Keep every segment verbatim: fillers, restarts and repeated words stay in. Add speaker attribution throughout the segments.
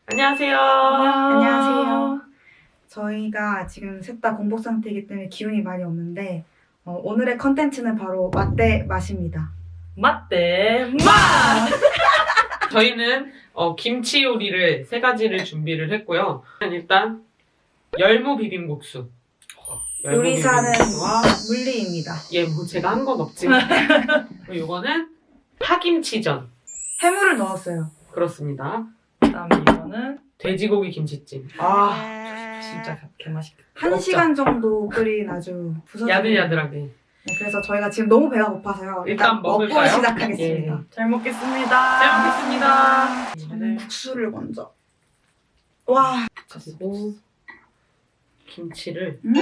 Speaker 1: 안녕하세요.
Speaker 2: 안녕하세요. 저희가 지금 셋 다 공복 상태이기 때문에 기운이 많이 없는데 어, 오늘의 컨텐츠는 바로 맛대 맛입니다.
Speaker 1: 맛대 맛! 저희는 어, 김치 요리를 세 가지를 준비를 했고요. 일단 열무 비빔국수. 열무
Speaker 2: 요리사는
Speaker 1: 비빔국수와
Speaker 2: 물리입니다.
Speaker 1: 예, 뭐 제가 한 건 없지만 그리고 이거는 파김치전.
Speaker 2: 해물을 넣었어요.
Speaker 1: 그렇습니다.
Speaker 3: 그다음에 이거는
Speaker 1: 돼지고기 김치찜.
Speaker 3: 아 진짜 개맛있겠다.
Speaker 2: 한
Speaker 1: 먹자.
Speaker 2: 시간 정도 끓인 아주 부서진
Speaker 1: 야들야들하게.
Speaker 2: 네, 그래서 저희가 지금 너무 배가 고파서요.
Speaker 1: 일단
Speaker 2: 먹고
Speaker 1: 먹을까요?
Speaker 2: 시작하겠습니다.
Speaker 3: 잘 먹겠습니다.
Speaker 1: 잘 먹겠습니다.
Speaker 2: 저는 국수를 먼저. 와,
Speaker 1: 그리고 김치를
Speaker 2: 음!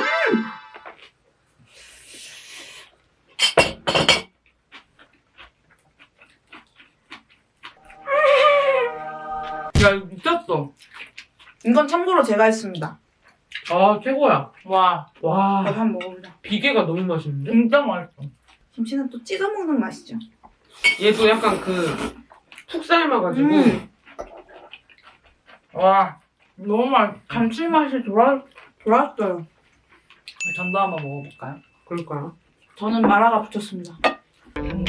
Speaker 3: 야 이거 미쳤어.
Speaker 2: 이건 참고로 제가 했습니다.
Speaker 1: 아 최고야.
Speaker 3: 와
Speaker 1: 와
Speaker 2: 저도 한번 먹어보자.
Speaker 1: 비계가 너무 맛있는데?
Speaker 3: 진짜 맛있어.
Speaker 2: 김치는 또 찢어 먹는 맛이죠.
Speaker 1: 얘도 약간 그 푹 삶아가지고
Speaker 2: 음.
Speaker 3: 와 너무 맛. 감칠맛이 돌아
Speaker 2: 좋았어요.
Speaker 3: 전도 한번 먹어볼까요?
Speaker 1: 그럴까요?
Speaker 2: 저는 마라가 붙였습니다.
Speaker 3: 음,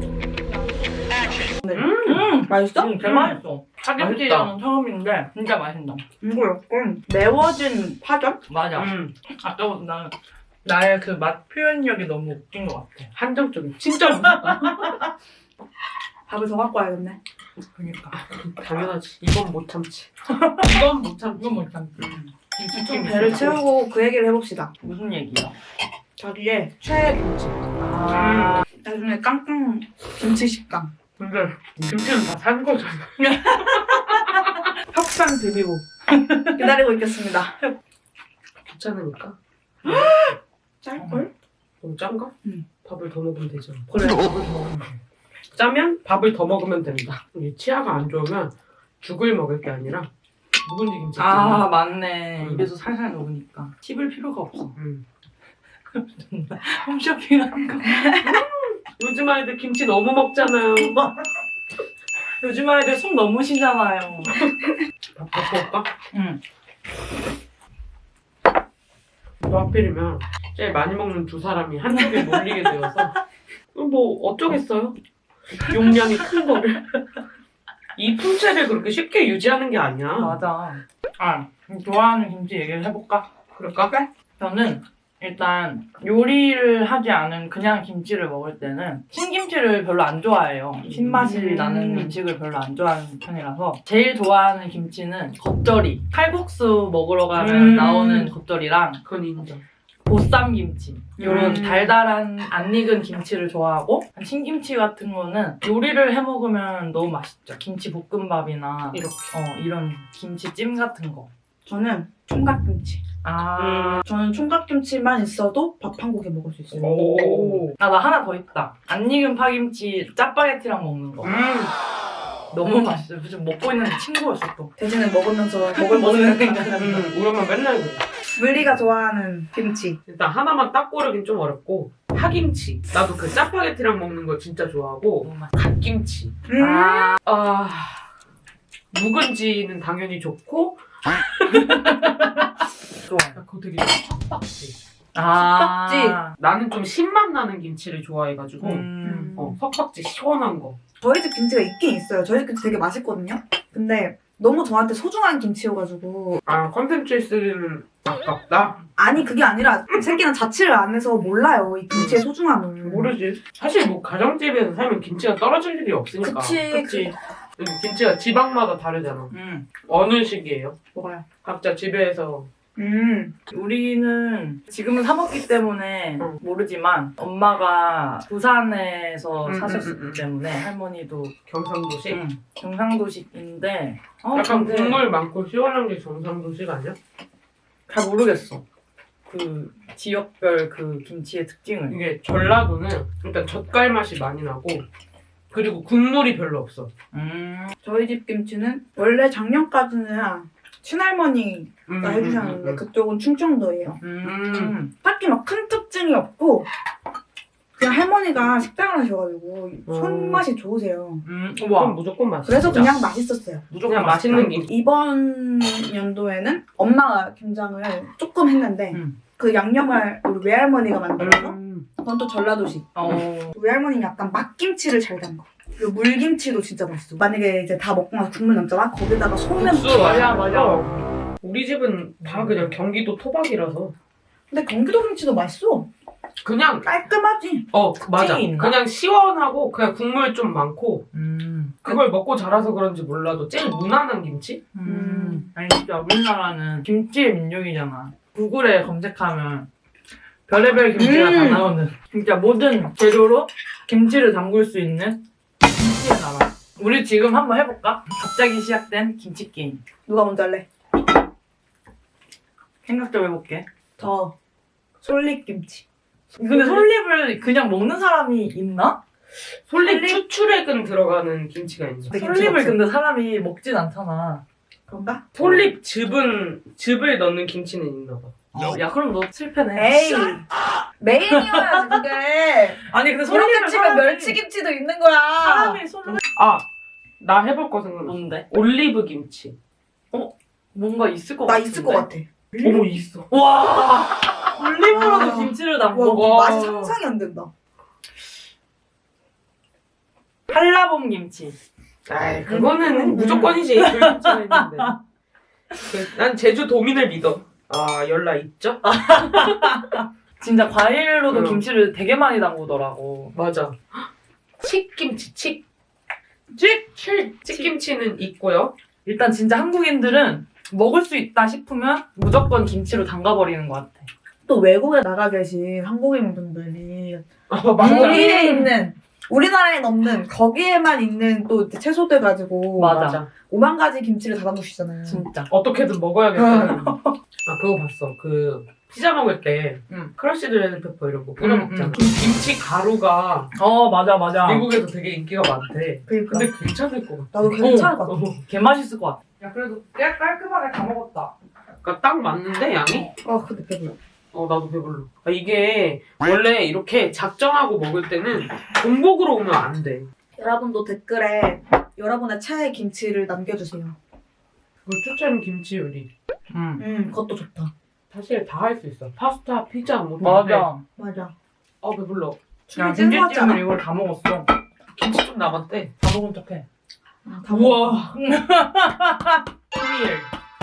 Speaker 2: 음, 맛있어?
Speaker 3: 음, 개 맛있어. 파김치전은 처음인데 진짜 맛있다.
Speaker 2: 이거 약간 매워진 파전?
Speaker 3: 맞아.
Speaker 1: 음,
Speaker 3: 아까부터 나는 나의 그 맛 표현력이 너무 웃긴 것 같아.
Speaker 1: 한정적인 진짜 맛있다.
Speaker 2: 밥을 더 갖고 와야겠네.
Speaker 3: 그러니까
Speaker 1: 당연하지. 이건 못 참지. 이건 못 참지.
Speaker 3: 이건 못 참지.
Speaker 2: 좀 배를 채우고 그 얘기를 해봅시다.
Speaker 3: 무슨 얘기야?
Speaker 2: 자기의 최애 김치.
Speaker 3: 아
Speaker 2: 나중에 깡깡 김치 식감.
Speaker 1: 근데 김치는 다 산 거잖아.
Speaker 2: 혁상 비비고 기다리고 있겠습니다.
Speaker 1: 귀찮으니까.
Speaker 2: 짤걸?
Speaker 1: 너무 짠가?
Speaker 2: 응.
Speaker 1: 밥을 더 먹으면 되잖아.
Speaker 3: 그래 밥을 더 먹으면 돼.
Speaker 1: 짜면 밥을 더 먹으면 된다. 이 치아가 안 좋으면 죽을 먹을 게 아니라 묵은지 김치.
Speaker 3: 아 맞네.
Speaker 1: 음.
Speaker 3: 입에서 살살 녹으니까 씹을 필요가 없어.
Speaker 1: 음.
Speaker 3: 홈쇼핑하는 거.
Speaker 1: 요즘 아이들 김치 너무 먹잖아요.
Speaker 3: 요즘 아이들 숨 너무 쉬잖아요.
Speaker 1: 밥 갖고 올까?
Speaker 3: 응.
Speaker 1: 또 하필이면 제일 많이 먹는 두 사람이 한쪽에 몰리게 되어서 뭐 어쩌겠어요. 용량이 큰 거를. 이 품체를 그렇게 쉽게 유지하는 게 아니야.
Speaker 3: 맞아. 아 좋아하는 김치 얘기를 해볼까?
Speaker 1: 그럴까?
Speaker 3: 저는 일단 요리를 하지 않은 그냥 김치를 먹을 때는 신김치를 별로 안 좋아해요. 신맛이
Speaker 2: 음.
Speaker 3: 나는 음식을 별로 안 좋아하는 편이라서 제일 좋아하는 김치는 겉절이. 칼국수 먹으러 가면
Speaker 1: 음.
Speaker 3: 나오는 겉절이랑
Speaker 1: 그건 인정.
Speaker 3: 보쌈김치 이런
Speaker 2: 음.
Speaker 3: 달달한 안 익은 김치를 좋아하고 신김치 같은 거는 요리를 해 먹으면 너무 맛있죠. 김치 볶음밥이나
Speaker 1: 이렇게.
Speaker 3: 어, 이런 김치찜 같은 거.
Speaker 2: 저는 총각김치.
Speaker 3: 아,
Speaker 2: 저는 총각김치만 있어도 밥 한 공기 먹을 수 있어요.
Speaker 1: 오.
Speaker 3: 아, 나 하나 더 있다. 안 익은 파김치 짜파게티랑 먹는 거.
Speaker 1: 음.
Speaker 3: 너무 맛있어요. 지금 먹고 있는데 친구였어 또.
Speaker 2: 대신에 먹으면서 먹을 먹는
Speaker 1: 음. 우리 엄마 맨날 그래.
Speaker 2: 물리가 좋아하는 김치.
Speaker 1: 일단 하나만 딱 고르긴 좀 어렵고 파김치. 나도 그 짜파게티랑 먹는 거 진짜 좋아하고
Speaker 3: 너무 맛있어.
Speaker 1: 갓김치.
Speaker 2: 음.
Speaker 3: 아,
Speaker 1: 아 묵은지는 당연히 좋고
Speaker 3: 좋아요.
Speaker 1: 그거 되게 석박지.
Speaker 3: 아,
Speaker 1: 나는 좀 신맛 나는 김치를 좋아해가지고
Speaker 3: 음.
Speaker 1: 어, 석박지 시원한 거.
Speaker 2: 저희 집 김치가 있긴 있어요. 저희 집 김치 되게 맛있거든요. 근데 너무 저한테 소중한 김치여가지고
Speaker 1: 아 컨텐츠에 쓰기는 아깝다?
Speaker 2: 아니 그게 아니라 새끼는 자취를 안 해서 몰라요 이 김치의 소중함을.
Speaker 1: 모르지. 사실 뭐 가정집에서 살면 김치가 떨어질 일이 없으니까.
Speaker 2: 그치.
Speaker 3: 그치.
Speaker 1: 근데 김치가 지방마다 다르잖아.
Speaker 3: 음.
Speaker 1: 어느 시기예요?
Speaker 2: 뭐가요?
Speaker 1: 각자 집에서
Speaker 2: 음.
Speaker 3: 우리는 지금은 사 먹기 때문에
Speaker 1: 응.
Speaker 3: 모르지만 엄마가 부산에서
Speaker 1: 음,
Speaker 3: 사셨기
Speaker 1: 음, 음, 음.
Speaker 3: 때문에 할머니도
Speaker 1: 경상도식?
Speaker 3: 음, 경상도식인데 어,
Speaker 1: 약간
Speaker 3: 근데
Speaker 1: 국물 많고 시원한 게 경상도식 아니야?
Speaker 3: 잘 모르겠어. 그 지역별 그 김치의 특징을.
Speaker 1: 이게 전라도는 일단 젓갈 맛이 많이 나고 그리고 국물이 별로 없어.
Speaker 3: 음.
Speaker 2: 저희 집 김치는 원래 작년까지는 친할머니가
Speaker 1: 음,
Speaker 2: 해주셨는데
Speaker 1: 음, 음.
Speaker 2: 그쪽은 충청도예요.
Speaker 3: 음.
Speaker 2: 딱히 막 큰 특징이 없고 그냥 할머니가 식당을 하셔가지고
Speaker 1: 어.
Speaker 2: 손맛이 좋으세요.
Speaker 3: 음,
Speaker 1: 그럼
Speaker 3: 우와.
Speaker 1: 무조건 맛있어.
Speaker 2: 그래서 그냥 맛있었어요.
Speaker 3: 무조건
Speaker 1: 그냥 맛있는 김치.
Speaker 2: 이번 연도에는 엄마가 김장을 조금 했는데
Speaker 3: 음.
Speaker 2: 그 양념을 우리 외할머니가 만들어서
Speaker 1: 음.
Speaker 2: 그건 또 전라도식.
Speaker 3: 어.
Speaker 2: 외할머니는 약간 막김치를 잘 담가. 그리고 물김치도 진짜 맛있어. 만약에 이제 다 먹고 나서 국물 남잖아? 거기다가 소면
Speaker 1: 국수
Speaker 3: 맞아,
Speaker 1: 맞아
Speaker 3: 맞아.
Speaker 1: 맞아. 우리 집은 다 그냥 경기도 토박이라서
Speaker 2: 근데 경기도 김치도 맛있어.
Speaker 1: 그냥
Speaker 2: 깔끔하지.
Speaker 1: 어 맞아.
Speaker 3: 찌이 있나?
Speaker 1: 그냥 시원하고 그냥 국물 좀 많고
Speaker 3: 음.
Speaker 1: 그걸 먹고 자라서 그런지 몰라도 제일 무난한 김치?
Speaker 3: 음. 아니 진짜 우리나라는 김치의 민족이잖아. 구글에 검색하면 별의별 김치가
Speaker 2: 음.
Speaker 3: 다 나오는 진짜 모든 재료로 김치를 담글 수 있는 김치의 나라. 우리 지금 한번 해볼까? 갑자기 시작된 김치 게임.
Speaker 2: 누가 먼저 할래?
Speaker 3: 생각 좀 해볼게.
Speaker 2: 저 솔잎김치.
Speaker 3: 근데 솔잎을 그냥 먹는 사람이 있나?
Speaker 1: 솔잎
Speaker 3: 솔잎?
Speaker 1: 추출액은 들어가는 김치가 있는
Speaker 2: 네,
Speaker 3: 솔잎을
Speaker 2: 김치
Speaker 3: 근데 사람이 먹진 않잖아.
Speaker 2: 그런가?
Speaker 1: 솔잎 즙은 즙을 넣는 김치는 있나 봐.
Speaker 3: 어, 야 그럼 너 실패네.
Speaker 2: 에이 메인이어야지 그게.
Speaker 3: 아니 근데
Speaker 2: 그렇게
Speaker 3: 솔잎을
Speaker 2: 치면
Speaker 3: 사람이-
Speaker 2: 멸치김치도 있는 거야.
Speaker 3: 사람이 솔잎
Speaker 1: 아, 나 해볼 거 생각나.
Speaker 3: 뭔데?
Speaker 1: 올리브 김치.
Speaker 3: 뭔가 있을 것
Speaker 2: 나
Speaker 3: 같은데.
Speaker 2: 있을 것 같아.
Speaker 1: 어머 있어.
Speaker 3: 와 올리브로도
Speaker 2: 와.
Speaker 3: 김치를
Speaker 2: 와,
Speaker 3: 담고
Speaker 1: 와.
Speaker 2: 맛이 상상이 안 된다.
Speaker 3: 한라봉 김치.
Speaker 1: 아이 그거는
Speaker 2: 음.
Speaker 1: 무조건이지. 그 김치가 있는데. 그, 난 제주 도민을 믿어. 아 연락 있죠?
Speaker 3: 진짜 과일로도
Speaker 1: 응.
Speaker 3: 김치를 되게 많이 담그더라고.
Speaker 1: 맞아. 칡김치 칡. 칡 칡 칡김치는 있고요.
Speaker 3: 일단 진짜 한국인들은 먹을 수 있다 싶으면 무조건 김치로 담가버리는 것 같아.
Speaker 2: 또 외국에 나가 계신 한국인 분들이
Speaker 1: 아 맞아.
Speaker 2: 거기에 있는 우리나라엔 없는 거기에만 있는 또 이제 채소들 가지고
Speaker 3: 맞아.
Speaker 2: 오만 가지 김치를 다 담그시잖아요.
Speaker 3: 진짜.
Speaker 1: 어떻게든 먹어야겠다. 아 그거 봤어. 그 피자 먹을 때
Speaker 3: 응.
Speaker 1: 크러쉬드 레드페퍼 이런 거 뿌려
Speaker 3: 응,
Speaker 1: 먹잖아.
Speaker 3: 응.
Speaker 1: 그 김치 가루가
Speaker 3: 어 맞아 맞아.
Speaker 1: 미국에도 되게 인기가 많대.
Speaker 2: 그러니까
Speaker 1: 근데 괜찮을 것 같아.
Speaker 2: 나도 괜찮을 것 같아.
Speaker 1: 어,
Speaker 3: 개 맛있을 것 같아. 야 그래도 꽤 깔끔하게 다 먹었다.
Speaker 1: 그러니까 딱 맞는데 양이?
Speaker 2: 아 근데 배불러.
Speaker 1: 어 나도 배불러. 아, 이게 원래 이렇게 작정하고 먹을 때는 공복으로 오면 안 돼.
Speaker 2: 여러분도 댓글에 여러분의 최애 김치를 남겨주세요.
Speaker 1: 그 추천 김치 요리.
Speaker 3: 음.
Speaker 2: 음 그것도 좋다.
Speaker 1: 사실 다 할 수 있어. 파스타, 피자 뭐 다. 해.
Speaker 3: 맞아.
Speaker 2: 맞아.
Speaker 1: 아 배불러.
Speaker 3: 야
Speaker 2: 찜 찐 거
Speaker 3: 김치찜을
Speaker 2: 같잖아.
Speaker 3: 이걸 다 먹었어.
Speaker 1: 김치 좀 남았대.
Speaker 3: 다 먹은 척해.
Speaker 2: 아, 다 먹어.
Speaker 1: 우와. 토리엘.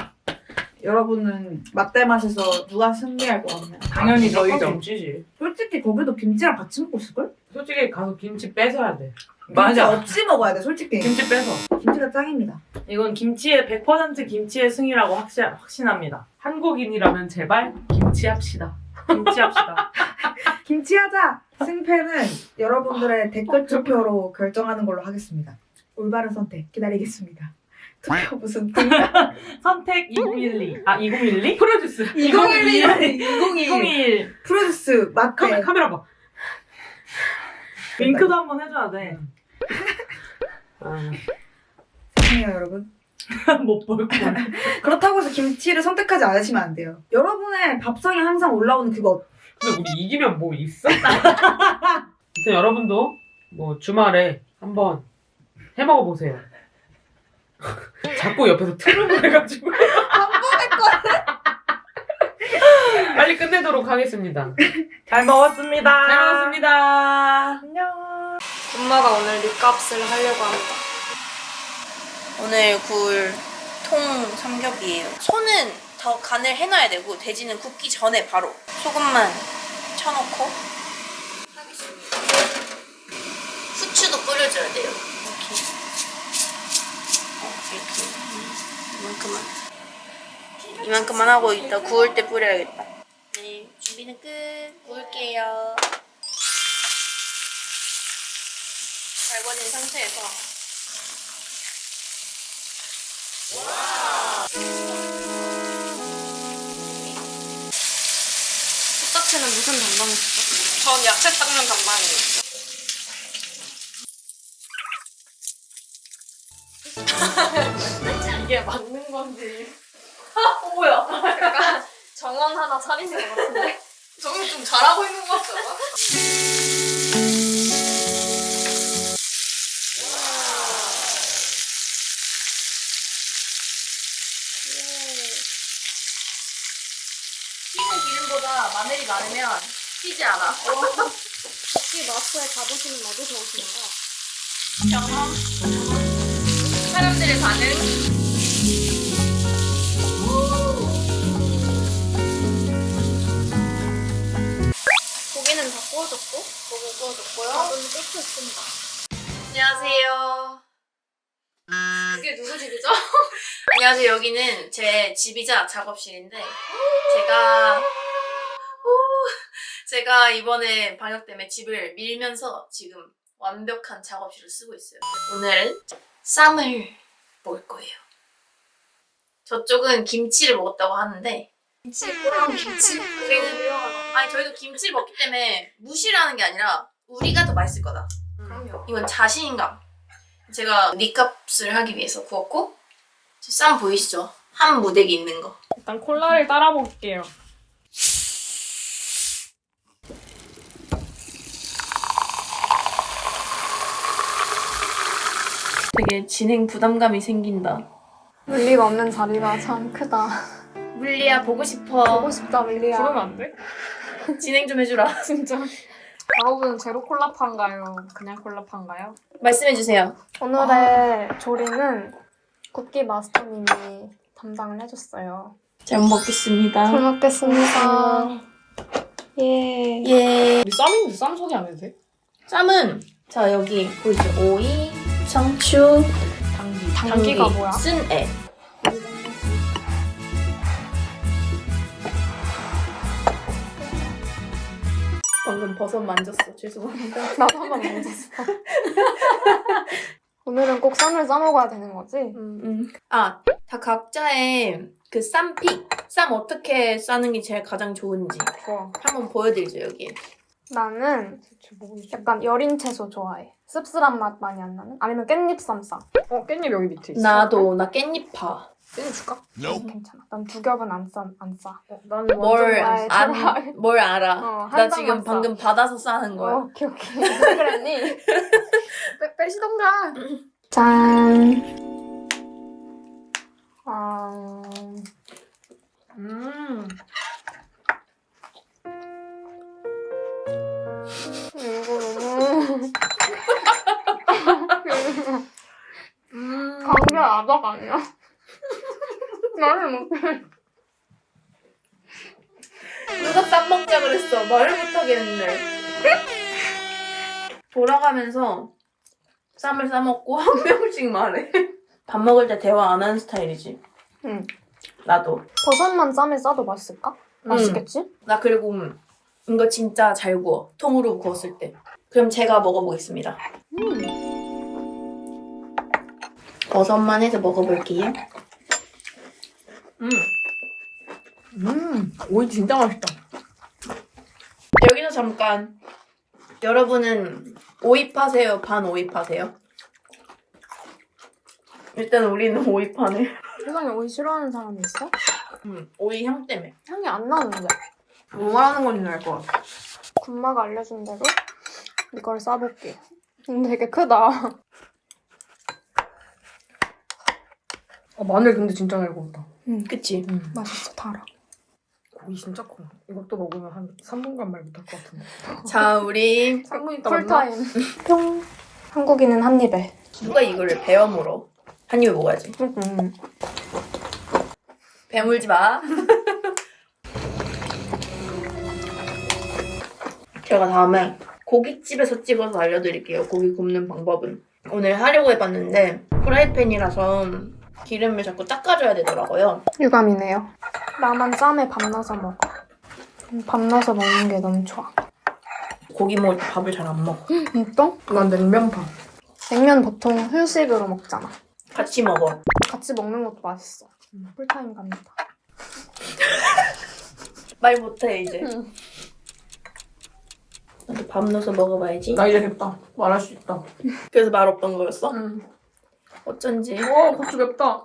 Speaker 2: 여러분은 맛대 맛에서 누가 승리할 것 같나요?
Speaker 3: 당연히 저희죠.
Speaker 1: 김치지.
Speaker 2: 솔직히 거기도 김치랑 같이 먹고 있을걸?
Speaker 1: 솔직히 가서 김치 뺏어야 돼.
Speaker 2: 김치
Speaker 3: 맞아.
Speaker 2: 없이 먹어야 돼 솔직히.
Speaker 1: 김치 뺏어.
Speaker 2: 김치가 짱입니다.
Speaker 3: 이건 김치의 백 퍼센트 김치의 승이라고 확신, 확신합니다.
Speaker 1: 한국인이라면 제발 김치 합시다.
Speaker 3: 김치합시다.
Speaker 2: 김치하자! 승패는 여러분들의 댓글 투표로 결정하는 걸로 하겠습니다. 올바른 선택 기다리겠습니다. 투표 무슨
Speaker 3: 선택 이공일이. 아 이공일이?
Speaker 1: 프로듀스.
Speaker 2: 이공일이 이공이일
Speaker 3: 이공일.
Speaker 2: 프로듀스
Speaker 1: 카메,
Speaker 2: 마테
Speaker 1: 카메라 봐.
Speaker 3: 윙크도 한번 해줘야 돼.
Speaker 1: 아,
Speaker 2: 죄송해요 여러분.
Speaker 3: 못 볼 걸.
Speaker 2: 그렇다고 해서 김치를 선택하지 않으시면 안 돼요. 여러분의 밥상에 항상 올라오는 그거
Speaker 1: 근데 우리 이기면 뭐 있어? 아무튼 여러분도 뭐 주말에 한번 해 먹어 보세요. 자꾸 옆에서 트름을 해가지고 빨리 끝내도록 하겠습니다.
Speaker 3: 잘 먹었습니다.
Speaker 1: 잘 먹었습니다.
Speaker 3: 안녕.
Speaker 4: 엄마가 오늘 밑값을 하려고 합니다. 오늘 구울 통 삼겹이에요. 소는 더 간을 해놔야 되고 돼지는 굽기 전에 바로 소금만 쳐놓고 하겠습니다. 후추도 뿌려줘야 돼요. 이렇게. 어, 이렇게. 이만큼만. 이만큼만 하고 이따 구울 때 뿌려야겠다. 네, 준비는 끝. 구울게요. 달궈진 상태에서 뚝딱새는 무슨 담당이시죠? 전 야채 닦는 담당이에요. 이게 맞는 건지. 어, 뭐야? 약간 정원 하나 차리는 것 같은데? 저는 좀 잘하고 있는 것 같지 않아?
Speaker 5: 튀는 기름보다 마늘이 많으면 튀지 않아.
Speaker 4: 혹시 마스터에 가보시는 너도 좋으신가?
Speaker 5: 경험. 사람들의 반응.
Speaker 4: 고기는 다 구워졌고, 고기 구워졌고요. 밥은 끓였습니다.
Speaker 5: 안녕하세요.
Speaker 4: 이게 누구 집이죠?
Speaker 5: 안녕하세요. 여기는 제 집이자 작업실인데 제가 오, 제가 이번에 방역 때문에 집을 밀면서 지금 완벽한 작업실을 쓰고 있어요. 오늘은 쌈을 먹을 거예요. 저쪽은 김치를 먹었다고 하는데 김치, 꼬랑 김치? 우리는 아니 저희도 김치를 먹기 때문에 무시를 하는 게 아니라 우리가 더 맛있을 거다.
Speaker 4: 그럼요.
Speaker 5: 이건 자신감. 제가 니값을 하기 위해서 구웠고 쌈 보이시죠? 한 무대기 있는 거.
Speaker 4: 일단 콜라를 따라 먹을게요.
Speaker 5: 되게 진행 부담감이 생긴다.
Speaker 6: 물리가 없는 자리가 참 크다.
Speaker 5: 물리야 보고 싶어.
Speaker 6: 보고 싶다, 물리야.
Speaker 4: 부르면 안 돼?
Speaker 5: 진행 좀 해주라.
Speaker 4: 진짜. 작업은 제로 콜라파인가요? 그냥 콜라파인가요?
Speaker 5: 말씀해주세요.
Speaker 6: 오늘의 조리는 쿠키 마스터님이 담당을 해줬어요.
Speaker 5: 잘 먹겠습니다.
Speaker 6: 잘 먹겠습니다. 예.
Speaker 5: 예.
Speaker 4: 우리 쌈인데 쌈 소개 안 해도 돼?
Speaker 5: 쌈은 자 여기 보이시죠? 오이, 상추,
Speaker 4: 당기.
Speaker 6: 당기가 뭐야?
Speaker 5: 쓴애. 방금 버섯 만졌어. 죄송합니다.
Speaker 6: 나도 한번 만졌어. 오늘은 꼭 쌈을 싸먹어야 되는 거지?
Speaker 5: 음. 아, 다 각자의 그 쌈픽, 쌈 어떻게 싸는 게 제일 가장 좋은지
Speaker 4: 좋아.
Speaker 5: 한번 보여드리죠 여기.
Speaker 6: 나는
Speaker 4: 대체 뭐 있지?
Speaker 6: 약간 여린 채소 좋아해. 씁쓸한 맛 많이 안 나는? 아니면 깻잎 쌈 싸.
Speaker 4: 어, 깻잎 여기 밑에 있어.
Speaker 5: 나도 나 깻잎파.
Speaker 4: 깻잎 줄까?
Speaker 6: 괜찮아. 난 두 겹은 안 싸. 안 싸.
Speaker 4: 어, 나는
Speaker 5: 뭘
Speaker 6: 좋아해,
Speaker 5: 안,
Speaker 6: 좋아해.
Speaker 5: 뭘 알아.
Speaker 6: 어, 한
Speaker 5: 나
Speaker 6: 장만
Speaker 5: 지금
Speaker 6: 싸.
Speaker 5: 방금 받아서 싸는 거야.
Speaker 6: 어, 오케이, 오케이. 왜 그랬니?
Speaker 4: 빼, 빼시던가.
Speaker 6: 짠. 아,
Speaker 4: 음.
Speaker 6: 이거 너무.
Speaker 4: 음.
Speaker 6: 감기 아박 아니야? 나를 못해.
Speaker 5: 누가 쌈 먹자 그랬어. 말을 못 하겠는데. 돌아가면서 쌈을 싸먹고 한 명씩 말해. 밥 먹을 때 대화 안 하는 스타일이지.
Speaker 6: 응.
Speaker 5: 나도.
Speaker 6: 버섯만 쌈에 싸도 맛있을까? 맛있겠지?
Speaker 5: 나 그리고 이거 진짜 잘 구워. 통으로 구웠을 때. 그럼 제가 먹어보겠습니다.
Speaker 6: 음.
Speaker 5: 버섯만 해서 먹어볼게요. 음.
Speaker 4: 음. 오이 진짜 맛있다.
Speaker 5: 여기서 잠깐. 여러분은 오이파세요? 반오이파세요? 일단 우리는 오이파네.
Speaker 6: 세상에 오이 싫어하는 사람이 있어?
Speaker 5: 음, 오이 향 때문에.
Speaker 6: 향이 안 나는데.
Speaker 4: 뭐 말하는 건지 알 것 같아.
Speaker 6: 군마가 알려준 대로 이걸 싸볼게. 음, 되게 크다.
Speaker 4: 아, 마늘 근데 진짜 잘 구웠다.
Speaker 6: 음,
Speaker 5: 그치?
Speaker 4: 음.
Speaker 6: 맛있어, 달아.
Speaker 4: 고기 진짜 커. 이것도 먹으면 한 삼 분간 말 못할 것 같은데.
Speaker 5: 자, 우리
Speaker 4: 삼 분 있다 만나?
Speaker 6: 쿨타임. 뿅. 한국인은 한 입에.
Speaker 5: 누가 이거를 베어 물어? 한 입에 먹어야지.
Speaker 6: 음.
Speaker 5: 배물지 마. 제가 다음에 고깃집에서 찍어서 알려드릴게요. 고기 굽는 방법은. 오늘 하려고 해봤는데 프라이팬이라서 기름을 자꾸 닦아줘야 되더라고요.
Speaker 6: 유감이네요. 나만 쌈에 밥 넣어서 먹어. 음, 밥 넣어서 먹는 게 너무 좋아.
Speaker 5: 고기 먹을 때 밥을 잘 안 먹어.
Speaker 6: 진짜?
Speaker 4: 난 냉면파.
Speaker 6: 냉면 보통 후식으로 먹잖아.
Speaker 5: 같이 먹어.
Speaker 6: 같이 먹는 것도 맛있어. 쿨타임 갑니다.
Speaker 5: 말 못해 이제.
Speaker 6: 응.
Speaker 5: 나도 밥 넣어서 먹어봐야지.
Speaker 4: 나 이제 됐다. 말할 수 있다.
Speaker 5: 그래서 말 없던 거였어?
Speaker 4: 응.
Speaker 5: 어쩐지.
Speaker 4: 오, 고추 맵다.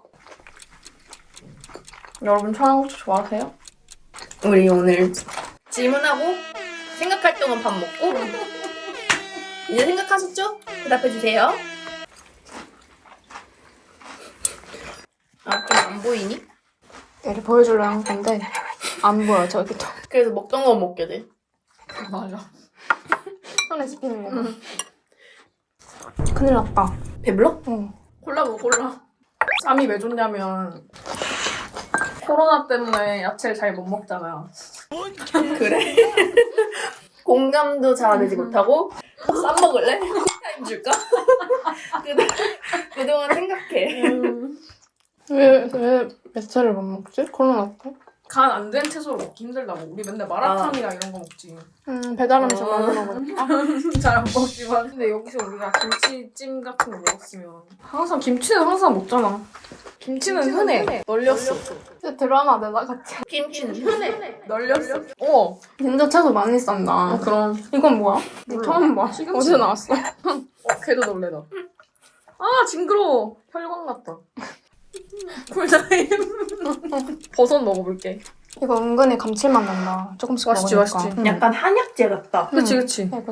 Speaker 4: 여러분 청양고추 좋아하세요?
Speaker 5: 우리 오늘 질문하고 생각할 동안 밥 먹고 이제 생각하셨죠? 대답해주세요. 아, 좀 안 보이니?
Speaker 6: 얘를 보여주려고 한 건데 안 보여 저기도.
Speaker 5: 그래서 먹던 거 먹게 돼.
Speaker 3: 맞아.
Speaker 6: 손에 씹히는 거. 응. 큰일 났다.
Speaker 5: 배불러?
Speaker 6: 응.
Speaker 3: 콜라 먹어 콜라. 쌈이 왜 좋냐면 코로나 때문에 야채를 잘 못 먹잖아요.
Speaker 5: 그래? 공감도 잘 되지 못하고 쌈 먹을래? 타임 줄까? 그동- 그동안 생각해.
Speaker 6: 왜, 왜 야채를 못 먹지? 코로나 때?
Speaker 3: 간 안 된 채소를 먹기 힘들다고. 우리 맨날 마라탕이랑 이런 거 먹지.
Speaker 6: 음, 배달 음식
Speaker 5: 어.
Speaker 6: 많이 먹으니까.
Speaker 3: 잘 안 먹지만. 근데 여기서 우리가 김치찜 같은 거 먹었으면 항상 김치는 항상 먹잖아. 김치는 흔해. 널렸어.
Speaker 6: 진짜 드라마 내다 같이.
Speaker 5: 김치는 흔해.
Speaker 3: 널렸어. 어.
Speaker 6: 진짜 채소 많이 싼다.
Speaker 3: 어 그럼.
Speaker 6: 이건 뭐야?
Speaker 3: 몰라.
Speaker 6: 처음 봐.
Speaker 3: 시금치.
Speaker 6: 어디서 나왔어?
Speaker 3: 어 걔도 놀래다. 아 징그러워. 혈관 같다. 쿨타임. 버섯 먹어볼게.
Speaker 6: 이거 은근히 감칠맛 난다. 조금씩
Speaker 3: 맛있지,
Speaker 6: 먹으니까.
Speaker 3: 맛있지.
Speaker 6: 응.
Speaker 5: 약간 한약재 같다.
Speaker 3: 그치 그치.
Speaker 6: 이거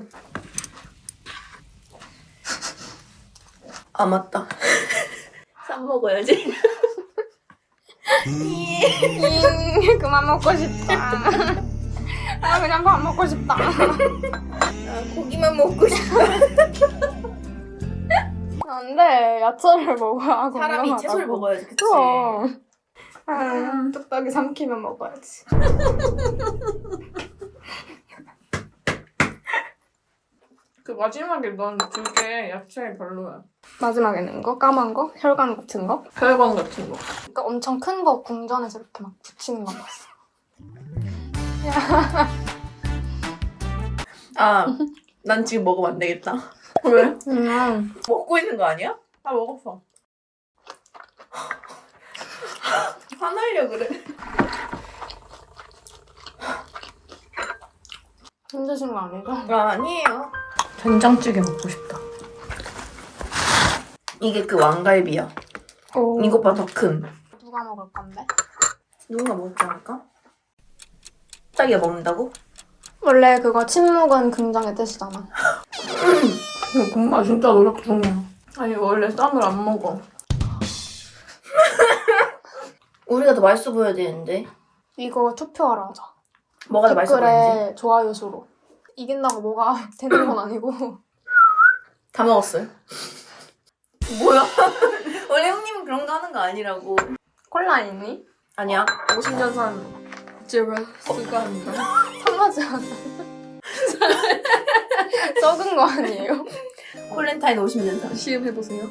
Speaker 5: 아 맞다. 쌈 먹어야지.
Speaker 6: 잉, 그만 먹고 싶다. 아, 그냥 밥 먹고 싶다.
Speaker 5: 아, 고기만 먹고 싶어.
Speaker 6: 안 돼. 야채를 먹어야
Speaker 5: 사람이
Speaker 6: 건강하다고.
Speaker 5: 채소를 먹어야지, 그치?
Speaker 6: 그럼. 아, 뚝딱이 삼키면 먹어야지.
Speaker 3: 그 마지막에 넌 그게 야채 별로야.
Speaker 6: 마지막에 넣은 거? 까만 거? 혈관 같은 거?
Speaker 3: 혈관 같은 거.
Speaker 6: 그러니까 엄청 큰 거 궁전에서 이렇게 막 붙이는 거 봤어.
Speaker 5: 아, 난 지금 먹으면 안 되겠다.
Speaker 3: 왜?
Speaker 6: 음.
Speaker 5: 먹고 있는 거 아니야?
Speaker 3: 다 먹었어.
Speaker 5: 화나려 그래.
Speaker 6: 힘드신 거 아니죠?
Speaker 5: 아, 아니에요.
Speaker 3: 된장찌개 먹고 싶다.
Speaker 5: 이게 그 왕갈비야.
Speaker 6: 오.
Speaker 5: 이것보다 더 큰.
Speaker 6: 누가 먹을 건데?
Speaker 5: 누군가 먹지 않을까? 자기가 먹는다고?
Speaker 6: 원래 그거 침묵은 긍정의 뜻이잖아.
Speaker 3: 이거 엄마 진짜 노력 중이야. 아니 원래 쌈을 안 먹어.
Speaker 5: 우리가 더 맛있어 보여야 되는데.
Speaker 6: 이거 투표하러 하자.
Speaker 5: 뭐가 더 맛있어 보이는지?
Speaker 6: 댓글에 좋아요 수로. 이긴다고 뭐가 되는 건 아니고.
Speaker 5: 다 먹었어요. 뭐야? 원래 형님은 그런 거 하는 거 아니라고.
Speaker 6: 콜라 있니?
Speaker 5: 아니야.
Speaker 3: 오십 년 산 제라스가 아닌가?
Speaker 6: 상하지 않아. 썩은 거 아니에요?
Speaker 5: 콜렌타인 오십 년 산.
Speaker 3: 시음해보세요.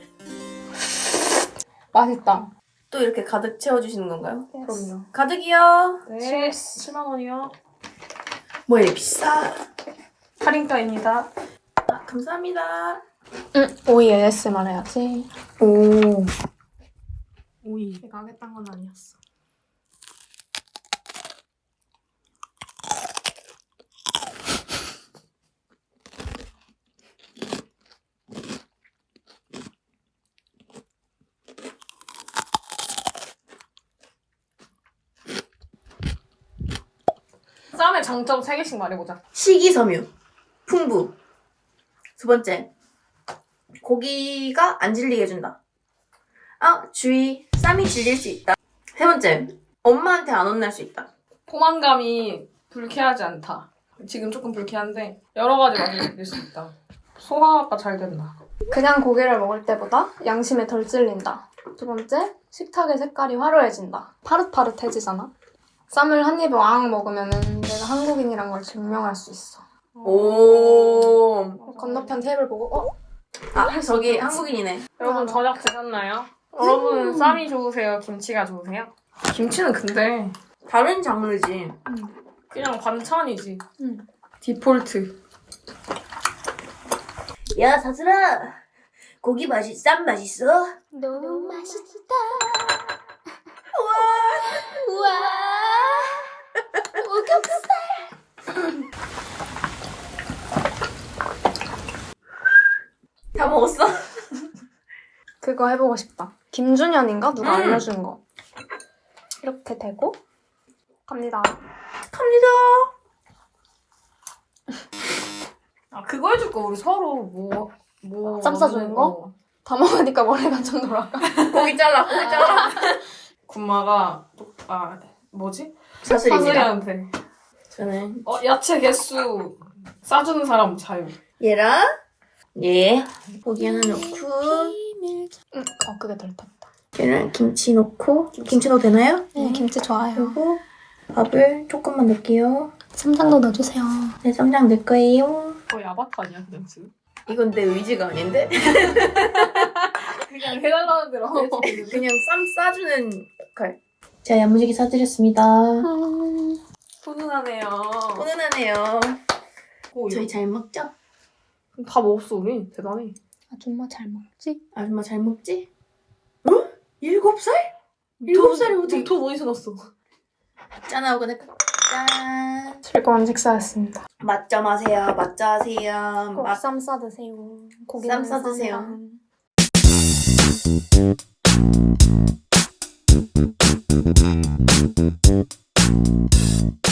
Speaker 6: 맛있다.
Speaker 5: 또 이렇게 가득 채워주시는 건가요?
Speaker 3: 그럼요.
Speaker 5: 가득이요.
Speaker 3: 네. 칠만 원이요.
Speaker 5: 뭐 이래 비싸.
Speaker 3: 할인가입니다.
Speaker 5: 아, 감사합니다.
Speaker 6: 응. 오이 에이에스엠알 해야지.
Speaker 3: 오. 오이. 내가 하겠다는 건 아니었어. 쌈의 장점 세 개씩 말해보자.
Speaker 5: 식이섬유, 풍부. 두 번째, 고기가 안 질리게 해준다. 아, 주의, 쌈이 질릴 수 있다. 세 번째, 엄마한테 안 혼날 수 있다.
Speaker 3: 포만감이 불쾌하지 않다. 지금 조금 불쾌한데 여러 가지 맛을 느낄 수 있다. 소화가 잘 된다.
Speaker 6: 그냥 고기를 먹을 때보다 양심에 덜 찔린다. 두 번째, 식탁의 색깔이 화려해진다. 파릇파릇해지잖아. 쌈을 한 입에 왕 먹으면은 내가 한국인이란 걸 증명할 수 있어.
Speaker 5: 오.
Speaker 6: 건너편 테이블 보고 어?
Speaker 5: 아, 저기 한국인이네.
Speaker 3: 여러분 저녁 드셨나요? 여러분은 쌈이 좋으세요? 김치가 좋으세요? 김치는 근데
Speaker 5: 다른 장르지.
Speaker 3: 그냥 반찬이지.
Speaker 6: 응.
Speaker 3: 디폴트.
Speaker 5: 야, 사슬아. 고기 맛이, 쌈 맛있어?
Speaker 6: 너무 맛있다.
Speaker 5: 우와.
Speaker 6: 우와. 오겹살.
Speaker 5: 다 먹었어?
Speaker 6: 그거 해보고 싶다. 김준현인가? 누가
Speaker 5: 음.
Speaker 6: 알려준 거. 이렇게 대고 갑니다.
Speaker 5: 갑니다.
Speaker 3: 아 그거 해줄 거 우리 서로 뭐 뭐.
Speaker 6: 쌈 싸주는 거?
Speaker 3: 어.
Speaker 6: 다 먹으니까 머리가 좀 돌아가.
Speaker 5: 고기 잘라, 고기 잘라.
Speaker 3: 군마가 또
Speaker 4: 아 뭐지?
Speaker 5: 사슬입니다.
Speaker 4: 사슬이한테
Speaker 5: 저는
Speaker 4: 어 야채 개수 싸주는 사람 자유.
Speaker 5: 얘랑 얘 고기 하나 넣고
Speaker 6: 응, 어 그게 덜 탔다.
Speaker 5: 얘랑 김치 넣고 김치 넣어도 되나요?
Speaker 6: 네, 김치 좋아요.
Speaker 5: 그리고 밥을 조금만 넣을게요.
Speaker 6: 쌈장도 넣어주세요.
Speaker 5: 네, 쌈장 넣을 거예요.
Speaker 4: 거의 아바타 아니야 그냥 지금?
Speaker 5: 이건 내 의지가 아닌데?
Speaker 4: 그냥 해달라는 대로 하고
Speaker 5: 그냥 쌈 싸주는 역할. 자, 야무지게 싸드렸습니다.
Speaker 4: 훈훈하네요.
Speaker 5: 훈훈하네요.
Speaker 4: 오,
Speaker 5: 저희 잘 먹죠?
Speaker 4: 다 먹었어 우리 대단해.
Speaker 6: 아줌마 잘 먹지?
Speaker 5: 아줌마 잘 먹지? 어? 일곱 살? 일곱 살이 어떻게
Speaker 4: 돈 어디서 났어?
Speaker 5: 짠하고 짠.
Speaker 6: 즐거운 식사였습니다.
Speaker 5: 맛점 하세요. 맛점 하세요.
Speaker 6: 꼭
Speaker 5: 맛.
Speaker 6: 쌈 싸드세요. 고기
Speaker 5: 쌈 싸드세요.
Speaker 6: 쌈이랑.